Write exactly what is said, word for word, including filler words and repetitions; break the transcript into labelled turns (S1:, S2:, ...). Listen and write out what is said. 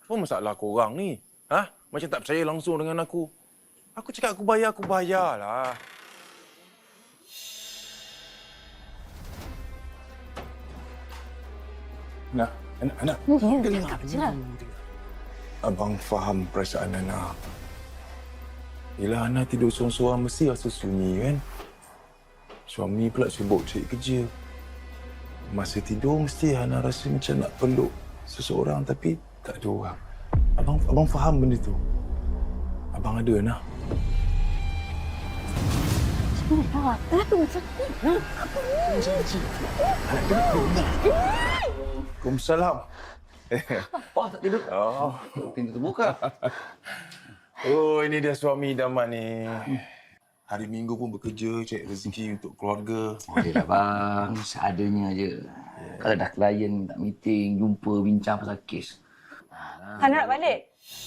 S1: Apa masalah korang ni? Ha? Macam tak percaya langsung dengan aku. Aku cakap aku bayar, aku bayarlah. Nah, anak, anak.
S2: Ya, dengar je lah.
S1: Abang faham perasaan Ana. Yelah, Ana tidur seorang-seorang mesti rasa sunyi kan? Suami pula sibuk cari kerja. Masa tidur mesti Ana rasa macam nak peluk seseorang tapi tak ada orang. Abang abang faham benda tu. Abang ada, Ana.
S2: Sebenarnya apa tu macam ni? Ha? Apa ni?
S1: Janji. Anak dengar. Waalaikumsalam.
S3: Apa tak tidur?
S1: Oh.
S3: Pintu terbuka.
S1: Oh, ini dia suami idaman ni. Hari Minggu pun bekerja, cari rezeki untuk keluarga.
S3: Bolehlah bang, seadanya je. Kalau dah klien minta meeting, jumpa, bincang pasal kes.
S2: Hana nak balik?